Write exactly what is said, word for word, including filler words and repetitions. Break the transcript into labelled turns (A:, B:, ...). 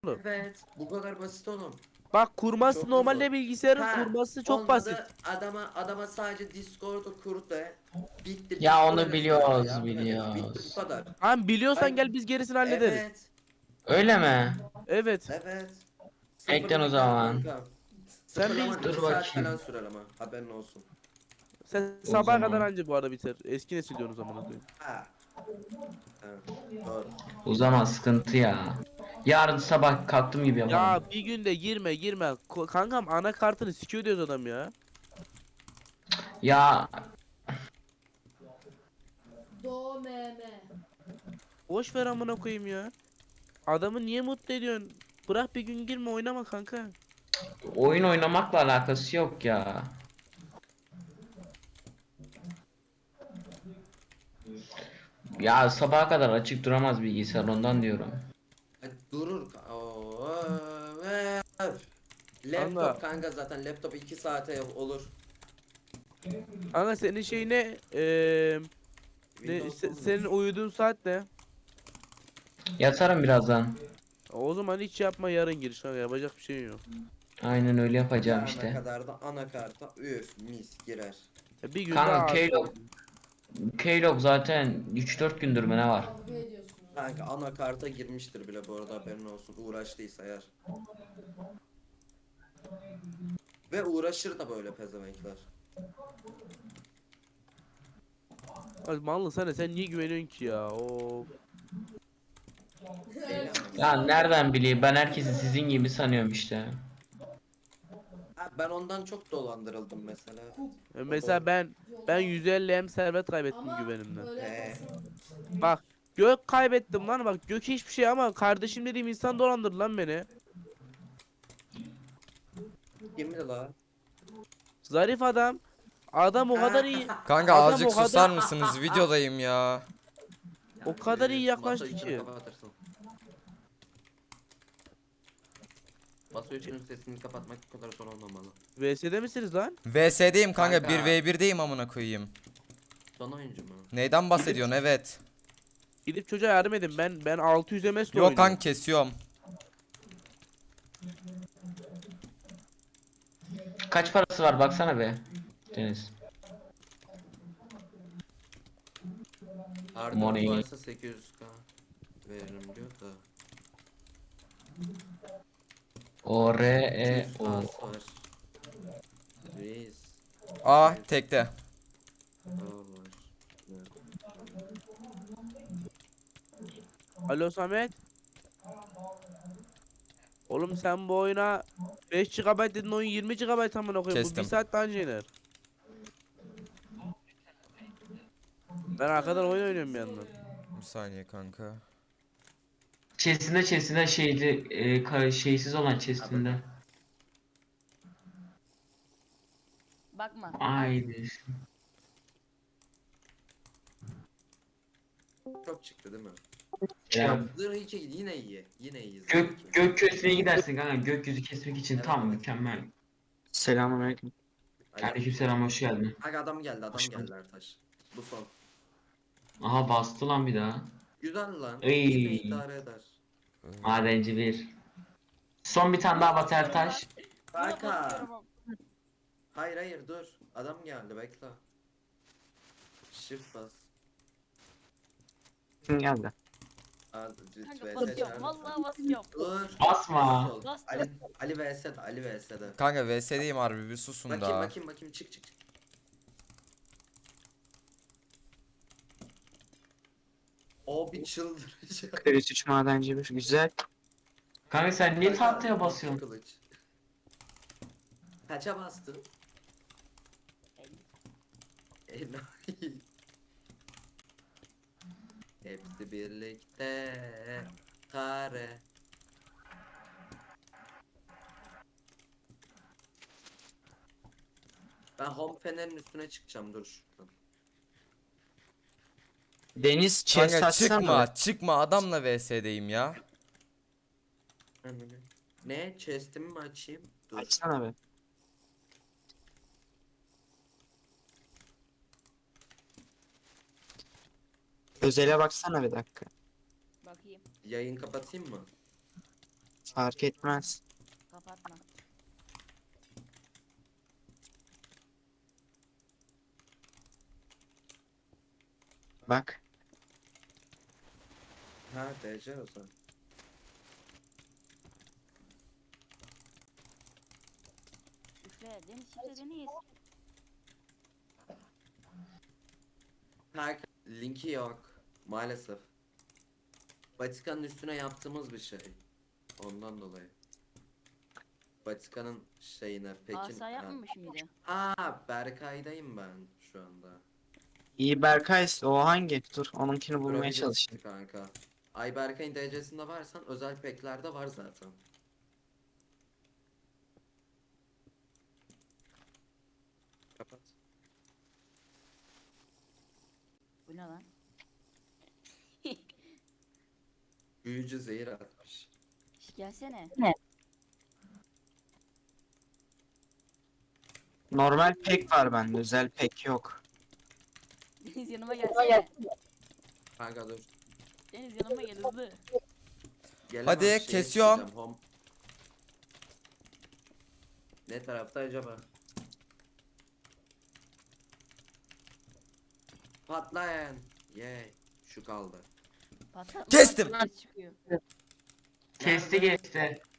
A: Evet, bu kadar basit oğlum.
B: Bak kurması
A: Çok hızlı.
B: normalde bilgisayarın
A: Ha,
B: kurması çok basit.
A: olmadı. Adama adama sadece Discord'u kur de. Bitti. Biz
C: Ya onu
A: kurarız kanka.
C: biliyoruz
A: Yardım ederiz. Bitti bu
C: biliyoruz.
A: kadar.
B: Tamam biliyorsan
A: Ben
B: gel biz gerisini hallederiz.
A: evet.
C: Öyle mi?
B: Evet.
A: Evet.
C: Eklen o
A: Sıfırlama gel
C: zaman.
A: kanka.
B: Sen bir
A: Sıfırlaman iki
C: Dur
A: saat falan
C: bakayım.
A: sürer ama. Haberin olsun.
B: sen
C: O
B: sabaha kadar
C: zaman.
B: anca bu arada biter. Eski nesil diyorsun o zaman koyayım.
A: Ha. Ha. Doğru.
C: O zaman sıkıntı ya. Yarın sabah kalktım gibi yaparım.
B: Ya bir günde girme girme. Ko- Kankam anakartını sikiyor diyoruz adam ya.
C: Ya
D: Do meme.
B: Boş ver amına koyayım ya. Adamı niye mutlu ediyorsun? Bırak bir gün girme oynama kanka.
C: oyun oynamakla alakası yok ya. Ya sabaha kadar açık duramaz bilgisayar ondan diyorum.
A: Hadi durur. ka- Oo, öf. Laptop
B: Kanka.
A: kanka zaten laptop iki saate olur.
B: Kanka senin şey ne? Eee ne
A: Windows
B: se-
A: olur.
B: senin uyuduğun saat ne?
C: Yatarım birazdan.
B: O zaman hiç yapma yarın giriş kanka yapacak bir şey yok.
C: Aynen öyle yapacağım
A: Yarına
C: işte.
A: kadar da anakarta üf mis girer.
B: Ya bir gün
C: Kanka
B: daha
C: Keylog Keylog zaten üç dört gündür mü ne var?
D: Kavga ediyorsunuz.
A: Kanka anakarta girmiştir bile bu arada haberin olsun uğraştıysa eğer. Ve uğraşır da böyle pezevenkler.
B: Ay mallı sana sen niye güveniyorsun ki ya? Of.
A: Eyle
C: Ya nereden bileyim ben herkesi sizin gibi sanıyorum işte.
A: Ha, ben ondan çok dolandırıldım mesela.
B: Ya mesela ben ben yüz elli hem servet kaybettim
D: Ama
B: güvenimden.
D: böyle
A: He.
D: yaparsın.
B: Bak gök kaybettim lan bak gök hiçbir şey ama kardeşim dediğim insan dolandırdı lan beni.
A: Kimdi la?
B: Zarif adam. Adam o kadar iyi.
E: Kanka
B: Adam
E: azıcık
B: o kadar-
E: susar mısınız? Videodayım ya.
B: O kadar iyi
A: Ee,
B: yaklaştı
A: masa
B: ki.
A: üçünü kapatırsın. Masa üçünün sesini kapatmak bu kadar zor olmamalı.
B: V S'de misiniz lan?
E: V S'deyim kanka,
A: Kanka.
E: bir ve birdeyim amına koyayım.
A: Son oyuncu mu?
E: Neyden bahsediyorsun? Evet.
B: Gidip çocuğa yardım edin. Ben ben altı yüz M S'le
E: Yok
B: oynuyorum.
E: kanka, kesiyorum.
C: Kaç parası var baksana be. Deniz.
A: Arda
C: Money.
A: varsa sekiz yüz k veririm diyor da.
C: O R E
A: yüz k
C: O.
A: var. Reis.
E: Aa tekte.
A: K var.
B: Alo Samet. Oğlum sen bu oyuna beş gigabayt dedin oyun yirmi gigabayt amına koyayım. Bu bir
E: Kestim.
B: saat daha önce iner. Ben arkadan oyun oynuyorum bir yandan.
E: Bir saniye kanka.
C: Chest'inde chest'inde şeyli e, ka- şeysiz olan chest'inde.
F: Bakma.
C: Haydi.
A: Çok çıktı değil mi?
C: Ya,
A: Zırh iki yine iyi. Yine iyi. zırh
C: gök
A: iki.
C: gök köşesine gidersin kanka. Gökyüzü kesmek için
A: Evet,
C: tam
A: evet.
C: mükemmel.
G: Selamünaleyküm.
C: Aleykümselam hoş geldin.
A: Bak adam geldi adam
G: Hoş
A: geldi Ertaş. Bu son.
C: Aha bastı lan bir daha.
A: Güzel lan.
C: Ey.
A: Yine idare eder.
C: Madenci bir. Son bir tane daha Bater Taş.
A: Kanka. Hayır hayır dur. Adam geldi bekle. Shift bas.
G: Kim geldi?
A: Al,
F: Kanka
A: V S
F: basıyorum.
A: çağır.
F: Vallahi basıyorum.
A: Dur.
C: Basma.
A: Sus ol.
F: Bastım.
A: Ali Ali V S'de Ali V S'de.
E: Kanka V S'deyim harbi, bir susun
A: Bakayım
E: da.
A: bakayım bakayım çık çık çık. O bir çıldıracak.
G: Kriz üç madenci bir. Güzel.
C: Kanka sen niye tahtaya basıyorsun?
A: Kılıç. Kaça bastın? Enayi. Hepsi birlikte kare. Ben home fener'in üstüne çıkacağım dur şuradan.
G: Deniz chest
E: Kanka
G: açsana.
E: çıkma çıkma, adamla V S'deyim ya.
A: Ananı. Ne? Chest'imi mi açayım? Dur.
G: Açsana be. Özele baksana bir dakika.
F: Bakayım.
A: Yayın kapatayım mı?
G: Fark etmez.
F: Kapatma.
G: Bak.
A: Ha D C o zaman.
F: Şifre. Deniz şifre Deniz.
A: Kanka linki yok. Maalesef. Vatikan'ın üstüne yaptığımız bir şey. Ondan dolayı. Vatikan'ın şeyine Pekin.
F: Asa yapmamış mıydı?
A: Aa Berkay'dayım ben şu anda.
G: İyi Berkay o hangi? Dur onunkini bulmaya
A: Kurabilirsin
G: çalışayım.
A: kanka. Ay Berkay'ın D C'sinde varsan özel packlerde var zaten. Kapat.
F: Bu ne lan?
A: Büyücü zehir atmış.
F: Şş, gelsene.
G: Normal pek var bende. Özel pek yok.
F: Deniz yanıma gelsene.
A: Kanka dur.
F: Deniz yanıma gel hızlı.
A: Gelemem,
E: Hadi,
A: şeye
E: kesiyorum.
A: çıkacağım, home. Ne tarafta acaba? Patlayın. Yay. Şu kaldı.
F: Patlatma.
E: Kestim.
F: Ses çıkıyor.
C: Kesti geçti.